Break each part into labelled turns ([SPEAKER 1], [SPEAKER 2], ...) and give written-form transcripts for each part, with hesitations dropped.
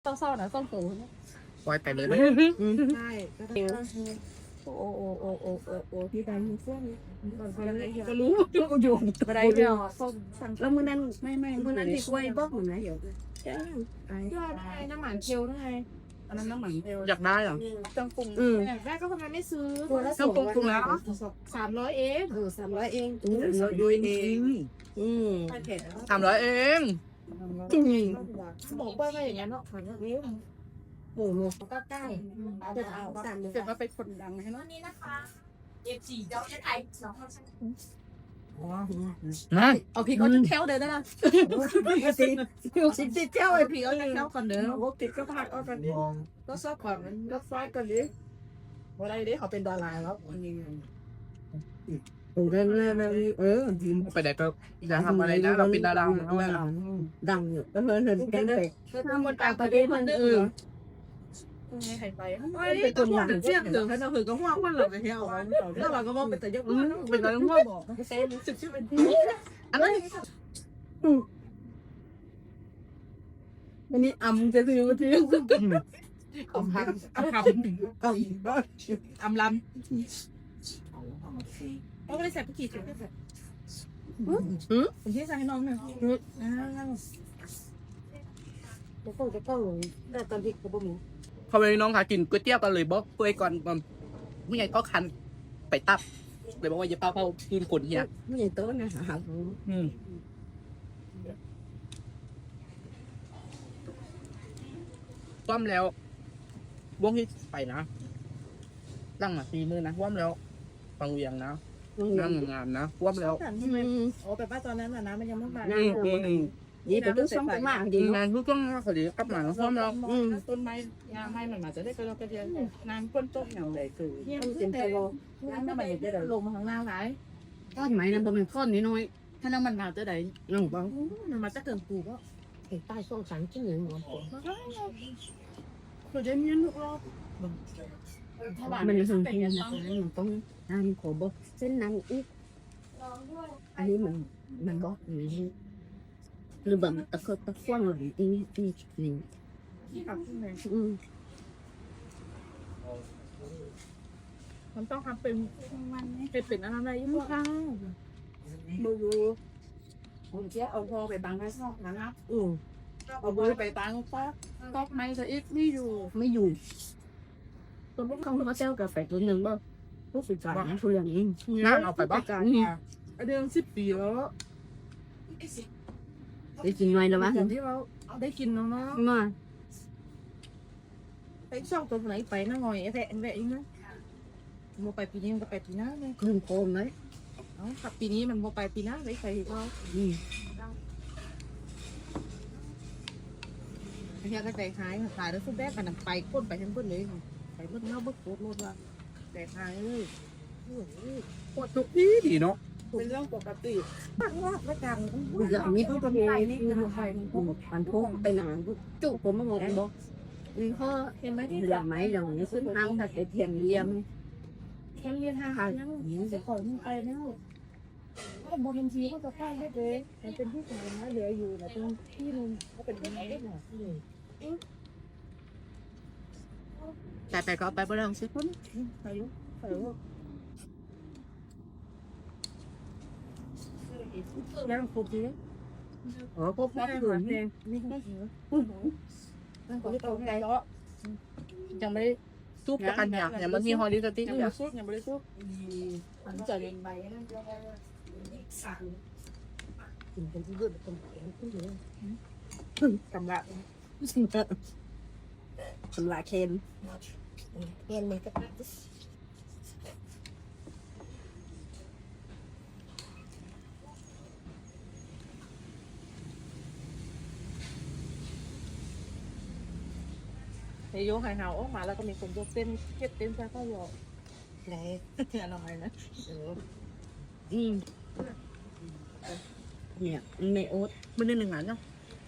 [SPEAKER 1] เศร้าๆนะส้มหู
[SPEAKER 2] ปล่อยไปเลยไหม
[SPEAKER 1] ใช่โอ้โอ้โอ้โอ้โอ้โอ้พี่ได้ยินเสียงก็รู้ก็อยู่ก็ได้เดียวส้มสั่ง
[SPEAKER 3] แล้วมื้อนั้น
[SPEAKER 1] ไม่
[SPEAKER 3] มื้อนั้นที่กล้วยบอกเหมือนไหนเดี๋ยว
[SPEAKER 1] ยอดได้น้ำหมันเทลได้อันนั้นน้ำหมันเทล
[SPEAKER 2] อยากได้เหรอ
[SPEAKER 1] จังปรุงอยากได้ก็ทำไมไม่ซื้อ
[SPEAKER 3] ตัวละ
[SPEAKER 2] เครื่องปรุงแล้ว
[SPEAKER 1] 300เอง
[SPEAKER 3] 300เอง
[SPEAKER 2] ดูเอง
[SPEAKER 1] ไม่เผ็ด
[SPEAKER 2] 300เอง
[SPEAKER 1] บอกว่าไม่อย่างนั้นเนาะนิ้ว
[SPEAKER 3] หมูหมู
[SPEAKER 1] ก็ใกล้เดี๋ยวเอาเดี๋ยวมาเป็นคนดังให้เนาะ
[SPEAKER 4] นี่นะคะF4 เจ้าไทยสองคน
[SPEAKER 2] นะ
[SPEAKER 1] เอาพี่เขาจะแถวเดินได้ละสิเจ้าไอพี่เขาจะแถวก่อนเด้อโอ้ติดก็พักเอากันดิก็ซอบก่อนก็ฟาดกันดิว่าไรดิเขาเป็นดาราแล้วอันนี้
[SPEAKER 3] เรื่อย
[SPEAKER 2] ไปไหนก็จะทำอะไรนะเราเป็นดาราด้วย
[SPEAKER 3] ดังอยู่เห็นแกงเป็ด
[SPEAKER 1] ถ้าคนต่างประเทศมันอื่นไม่ใครไปเป็นตัวอย่างเชี่ยงถึงขนาดถึงก็ห่วงว่าเราไปเที่ยวแล้วเราก็มองเป็นแต่ยกเป็นอะไรห่วงบอกเซนสึกชื่อเป็นอันนั้นอันนี้อำจะซื้อมาทิ้งอำพังอำอำลำเขาก็เลยใส่ผู้ขี่ถึงได้ใส่ผมที่ใส่ให้น้องหน่อย
[SPEAKER 3] จะเข้าแต่ตอนที่เขาบ่มี
[SPEAKER 2] พอไปน้องหากินก๋วยเตี๋ยวกันเลยบอกก๋วยก่อนไม่ไงก็คันไปตับเลยบอกว่าอย่าป้าเผาคืนคนเฮีย
[SPEAKER 3] ไม่ใช่โต๊ะนะหา
[SPEAKER 2] ว่ำแล้ววงที่ไปนะตั้งมา4 มื้อนะว่ำแล้วฟังเวียงนะนั่งงานนะว่ำแล้ว
[SPEAKER 1] โอ้แต่ป้าตอนนั้นน่ะนะมันยังไม่มา
[SPEAKER 3] นี่เป็นต้องส่งไปมากดี
[SPEAKER 2] งานทุกต้องคดีกลับมาว่ำแล้ว
[SPEAKER 1] ต้นไม้ยางไม้มันมาจะได้กระโดดกระเดียนน้ำก้นต้มอย่างไรคือ
[SPEAKER 3] ต้องเป็นไปบ่
[SPEAKER 1] น้ำมันจะได้ลงมาข้างล่างไหน
[SPEAKER 3] ก้อนไหมนั่นบ่เป็นก้อนน้อย
[SPEAKER 1] ถ้าน้ำมันมาจะได้
[SPEAKER 3] ๆน้องบัง
[SPEAKER 1] มันมาจะเกินปูก็
[SPEAKER 3] ไอ้ใต้ช่องสันจิ้งหนึ่งหมด
[SPEAKER 1] คือจะมีลูกรอบ
[SPEAKER 3] มันจะส่งเพียงนะมันต้องน้ำขอบ่เส้นน้ำอีกอันนี้มันบ่หรือแบบตะกว้างเลยนี่นี่
[SPEAKER 1] ที่ขับขึ้นเลย
[SPEAKER 3] อืม
[SPEAKER 1] มันต้องทำเป็นเป็นอะไรยังไงมือผมจะเอาพอไปบังไว้ซอกนะครับ เอามือไปบังซอกไม้จะอีกไม่อยู่
[SPEAKER 3] ไม่อยู่ตัวพวกเขาเซลกาแฟตัวหนึ่งบ่พวกสุดยอดนะทุเรียนเอง
[SPEAKER 2] นั่งเอาไปบ้าง
[SPEAKER 1] เดือน10 ปีแล้ว
[SPEAKER 3] ได้กินไว้แล้ววะ
[SPEAKER 1] อย่างที่เราได้กินน้อง
[SPEAKER 3] มา
[SPEAKER 1] ไปช่องตัวไหนไปนั่งงอยแวะอีกนะโมไปปีนี้มันก็ไปปีหน้าเลย
[SPEAKER 3] คลื่นโคมเลย
[SPEAKER 1] เอาขับปีนี้มันโมไปปีหน้าไปใครก็เฮียก็ใจหายขายแล้วสุดแรกกันไปก้นไปทั้งก้นเลยไปเมื่อเน่าเมื่อโคตรโลดว่าใจหายเลย
[SPEAKER 2] ปวดทุกที่ดีเนาะ
[SPEAKER 1] เป็นเรื่องปกติปังว่าไม่จัง
[SPEAKER 3] อย่างนี้เขาจะมีนี่คือใครมันพกไปหนังจุกผมมามองบอกเขา
[SPEAKER 1] เห็นไหมที่
[SPEAKER 3] อย่างไหมอย่างนี้ซึ่งทางถ้าเทียมเยี่ยม
[SPEAKER 1] แค่เรียนทางยังจะขอมึงไปแล้วก็บอกทันทีก็จะพลาดได้เลยมันเป็นที่สาธารณะเหลืออยู่แต่ตรงที่นึงก็เป็นยังไงได้หน่อย
[SPEAKER 2] แต่ก็ไปบ่ได้สิคน
[SPEAKER 1] ไปลูกไปลูกแล้วครบดีครบแล้วเหมือนเองนี่ก็เหรอนั่นก็ตรงไหนก็ยังไม่ได้
[SPEAKER 2] ซุปจะกันอยากอย่างมันมีฮอลลีสติ๊ก
[SPEAKER 1] ยัง
[SPEAKER 2] เนี่
[SPEAKER 1] ไม่
[SPEAKER 2] ย
[SPEAKER 1] ซุกยังไม่ได้ซุกอันจะเรียนไป
[SPEAKER 3] กินเป็นที่เลือดตรงแขนขึ้นเลย
[SPEAKER 1] กำลัง
[SPEAKER 3] สำลักเคน
[SPEAKER 1] เรียนเลยก็ในโยกหายหาวออกมาแล้วก็มีคนยกเต้นเก็บเต้นใส่ข้าวยอไหนอะไรนะ
[SPEAKER 3] เนี่ยในโอ๊ต
[SPEAKER 2] มันได้1 งานเนาะ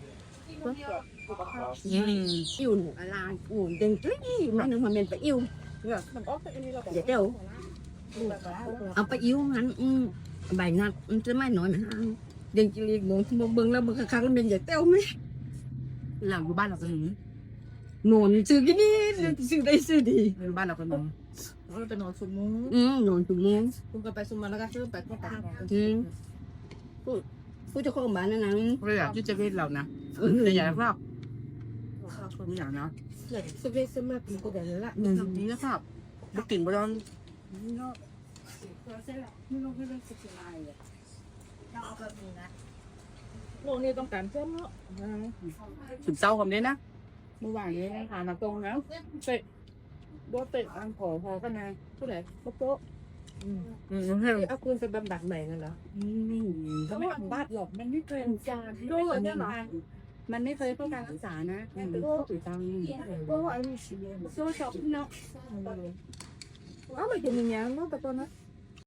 [SPEAKER 3] อิ่วอะไรอุ่นเด้งมันนึงมันเป็นไปอิ่ว
[SPEAKER 1] มันออกไปอันนี้เรา
[SPEAKER 3] เดี๋ยวเดี๋ยวเอาไปอิ่วงั้นใบนัดมันจะไม่น้อยมันเด้งจีรีกโดนเบิ่งแล้วมันคักๆแล้วเป็นใหญ่เต้าไหม
[SPEAKER 2] หลังอยู่บ้านเราก็หึง
[SPEAKER 3] หนอนซื้อกินนี่ซื้อได้ซื้อดี
[SPEAKER 2] บ้านเราเป็นมง
[SPEAKER 1] เราไปนอนสุดมุ้ง
[SPEAKER 3] หนอนถุงมือ
[SPEAKER 1] คุณก็ไปสุมาแล้วก็ซื้อไปก็ตาม
[SPEAKER 3] ผู้เจ้าของบ้านนั่นนะ
[SPEAKER 2] เราอยากที่จะเล่นเรานะแต่อยากครับไม่อยากนะ
[SPEAKER 1] สเปซสมากินก็ได้แล้วล่ะ
[SPEAKER 2] นี่นะครับบุกกิ่งบอล
[SPEAKER 1] โลกนี้ต้องการเพิ่มเนาะ
[SPEAKER 2] ถึงเศร้าคำนี้นะ
[SPEAKER 1] เมื่อวานนี้นะคะมาตรงแล้วเตะโดนเตะอันขอพอกันนะผู้ใดโป๊ะเอาคืนไปบำบัดใหม่กันเหรอก็ไม่ทำบ้านหรอกมันไม่เคยการด้วยเนี่ยหรอ
[SPEAKER 3] มันไม่เคยเพื่อการรักษานะเป็นผู้ถือตังค์
[SPEAKER 1] ก็อันโซ่ช็อปเนาะเอาไปกินอย่างเงี้ยเนาะแต่ตอนนั้น